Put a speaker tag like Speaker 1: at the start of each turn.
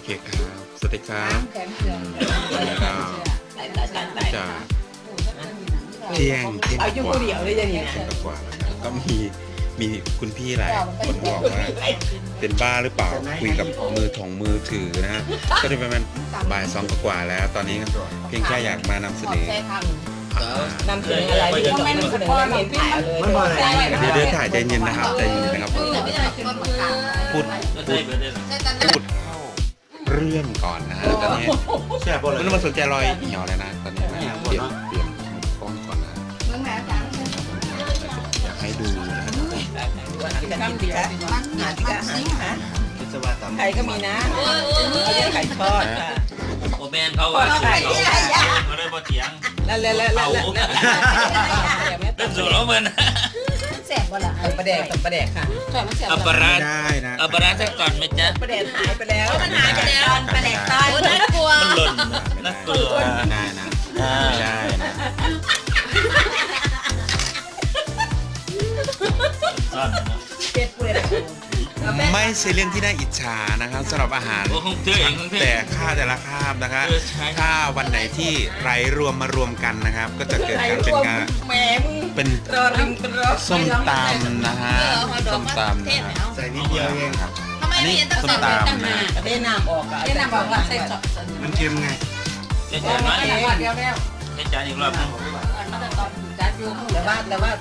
Speaker 1: เคครับสวัสดีครับ
Speaker 2: แขนเสื่อม
Speaker 1: จะเที่ยง
Speaker 3: เอาอยู่คนเดียวเลยอย่างนี้นะ
Speaker 1: กว่าแล้วครับก็มีคุณพี่หลายคนบอกว่าเป็นบ้าหรือเปล่าคุยกับมือถือนะฮะก็ได้ประมาณบ่าย2กว่าแล้ว ตอนนี้เพียงแค่อยากมานำเสนอ
Speaker 3: นำเสนออะไรที่ต้องนำเสนอแล้วเห็นถ่ายเอาเลย
Speaker 1: เดี๋ยวถ่ายใจเย็นนะครับใจเย็นนะครับพูดเรื่องก่อนนะฮะตอนนี้ไม่ต้องมาสนใจรอยเหี่ยวเลยนะตอนนี้เปลี่ยนกล้องก่อนนะ
Speaker 2: เมื่อแม่จัง
Speaker 1: อยากให้ดูนะ
Speaker 3: น้ำดีค่ะหาที่กะหาไข่ก็มีนะเขาเรียกไข่ทอดค่ะ
Speaker 4: โอแมนเขาว่าเขาได้พอเถียง
Speaker 3: แล้ว
Speaker 4: เป็นสูตรของมัน
Speaker 2: แสบบ่ล่ะ
Speaker 3: ประแดกกับประแดกค่ะ
Speaker 2: ถอยมันแสบ
Speaker 4: อัปปะรา
Speaker 1: ได้นะ
Speaker 4: อัปปะราสักก่อนไหมจ๊ะ
Speaker 3: ประแดกหายไปแล้ว
Speaker 2: มันหายไปแล้วประแดกตายน่ากลัว
Speaker 4: มันหล่นน่ากลัว
Speaker 1: ได้นะไม่ได้นะ
Speaker 4: ซ่อนนะ
Speaker 3: เป็ดเปื่อย
Speaker 1: ไม่ใช่เรื่องที่น่าอิจฉานะครับสำหรับอาหาร
Speaker 4: โอ้คงเธอเองคงเธอ
Speaker 1: แต่ค่าแต่ละคาบนะคะถ้าวันไหนที่ไรรวมมารวมกันนะครับ ก็จะเกิดการเป็นงาน
Speaker 3: แหมมึง
Speaker 1: เป็น
Speaker 3: รอริมเป็นรอ
Speaker 1: ส้มตำนะฮะส้มตำนะฮะใส่นิดเดียวเองครับ
Speaker 2: ทำไมไม่เห็นตั้งแต่ตั้งมา
Speaker 3: เทน้ำออกอ่ะ
Speaker 2: เรียนนำบอกว่าใส่จอบ
Speaker 1: มันเค็มไง
Speaker 4: เจ๊จ๋าไหม
Speaker 2: เดียวแล้ว
Speaker 4: เจ๊จ๋าอีกรอบนึง
Speaker 2: มันจะตอนจัดอยู่
Speaker 3: แต่ว่า